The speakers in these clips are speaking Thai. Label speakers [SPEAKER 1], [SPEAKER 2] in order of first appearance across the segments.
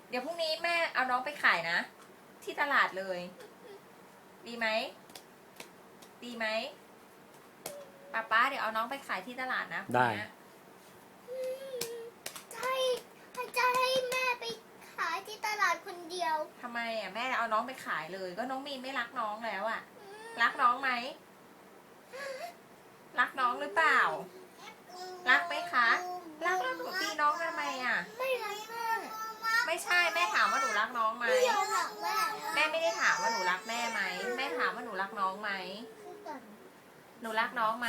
[SPEAKER 1] เดี๋ยวพรุ่งนี้แม่เอาน้องไปขายนะ ที่ตลาดเลย ดีไหมดีไหมป้าเดี๋ยวเอาน้องไปขายที่ตลาดนะพรุ่ง
[SPEAKER 2] ได้
[SPEAKER 1] นี้
[SPEAKER 3] จะให้แม่ไปขายที่ตลาดคนเดียว
[SPEAKER 1] ทำไมอ่ะแม่เอาน้องไปขายเลย ก็น้องมีนไม่รักน้องแล้วอ่ะ รักน้องไหมรักน้องหรือเปล่า รักไหมคะรักแล้วหนูตีน้องทำไมอ่ะ
[SPEAKER 3] ไม่รักแม่
[SPEAKER 1] ไม่ใช่แม่ถามว่าหนูรักน้องไหม
[SPEAKER 3] ไม่ยอมรักแม่
[SPEAKER 1] แม่ไม่ได้ถามว่าหนูรักแม่ไหมแม่ถามว่าหนูรักน้องไหมหนูรักน้องไหม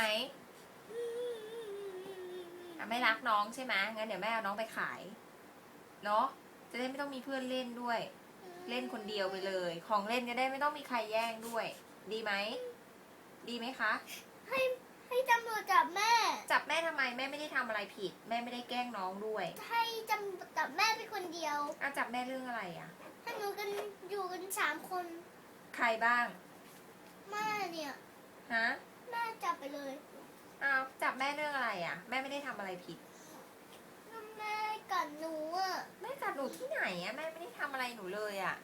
[SPEAKER 1] อ่ะไม่รักน้องใช่ไหมงั้นเดี๋ยวแม่เอาน้องไปขายเนาะจะได้ไม่ต้องมีเพื่อนเล่นด้วย เล่นคนเดียวไปเลย ของเล่นจะได้ไม่ต้องมีใครแย่งด้วย ดีไหมดีไหมคะ
[SPEAKER 3] ให้ตำรวจจับแม่
[SPEAKER 1] จับแม่ทำไมแม่ไม่ได้ทำอะไรผิด แม่ไม่ได้แกล้งน้องด้วย
[SPEAKER 3] ให้จับแม่ไปคนเดียว
[SPEAKER 1] อ่ะจับแม่เรื่องอะไรอ่ะ
[SPEAKER 3] ให้หนูกันอยู่กัน3 คน
[SPEAKER 1] ใครบ้าง
[SPEAKER 3] แม่เนี่ย
[SPEAKER 1] ฮะ
[SPEAKER 3] แม่จับไปเลย
[SPEAKER 1] อ้าวจับแม่เรื่องอะไรอ่ะ แม่ไม่ได้ทำอะไรผิด
[SPEAKER 3] แม่กัดหนูอ่ะ
[SPEAKER 1] แม่กัดหนูที่ไหนอ่ะแม่ไม่ได้ทำอะไรหนูเลยอ่ะ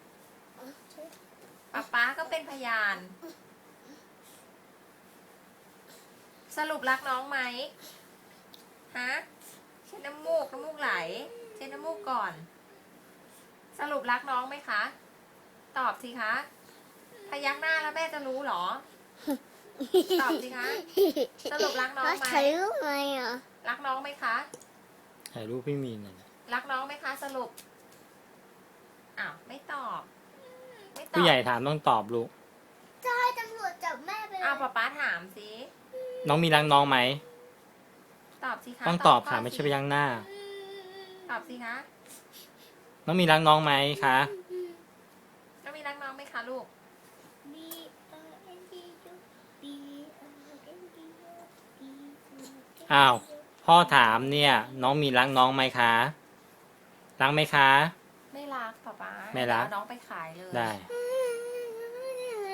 [SPEAKER 1] ป๊าก็เป็นพยาน สรุปรักน้องไหมฮะเช็ดน้ำมูกไหลเช็ดน้ำมูกก่อน สรุปรักน้องไหมคะ ตอบสิคะพยักหน้าแล้วแม่จะรู้เหรอ ตอบสิคะ สรุปรักน้องไหม
[SPEAKER 3] ถ่ายรูปไหมอ่ะ
[SPEAKER 1] รักน้องไหมคะ
[SPEAKER 2] ถ่ายรูปพี่มีนหน่อยนะ
[SPEAKER 1] รักน้องไหมคะ สรุปอ้าวไม่ตอบ ไม่ตอบ
[SPEAKER 2] ผู้ใหญ่ถามต้องตอบลูก
[SPEAKER 3] จะให้ตำรวจจับแม่ไปเลย
[SPEAKER 1] อ้าวป๊าถามสิ
[SPEAKER 2] น้องมีรักน้องไหม
[SPEAKER 1] ตอบสิคะ
[SPEAKER 2] ต้องตอบ
[SPEAKER 1] ข้
[SPEAKER 2] ค่ะไม่ใช่พยักหน้า
[SPEAKER 1] ตอบสิคะ
[SPEAKER 2] น้องมีรักน้องไหมคะ
[SPEAKER 1] แล้วมีรักน้องไหมคะลูก
[SPEAKER 2] อ้าวพ่อถามเนี่ย น้องมีรักน้องไหมคะ รักไหมคะ
[SPEAKER 1] ไม่รักป๊า
[SPEAKER 2] ไม่รัก
[SPEAKER 1] เอาน้องไปขายเลย
[SPEAKER 2] ได้
[SPEAKER 3] อื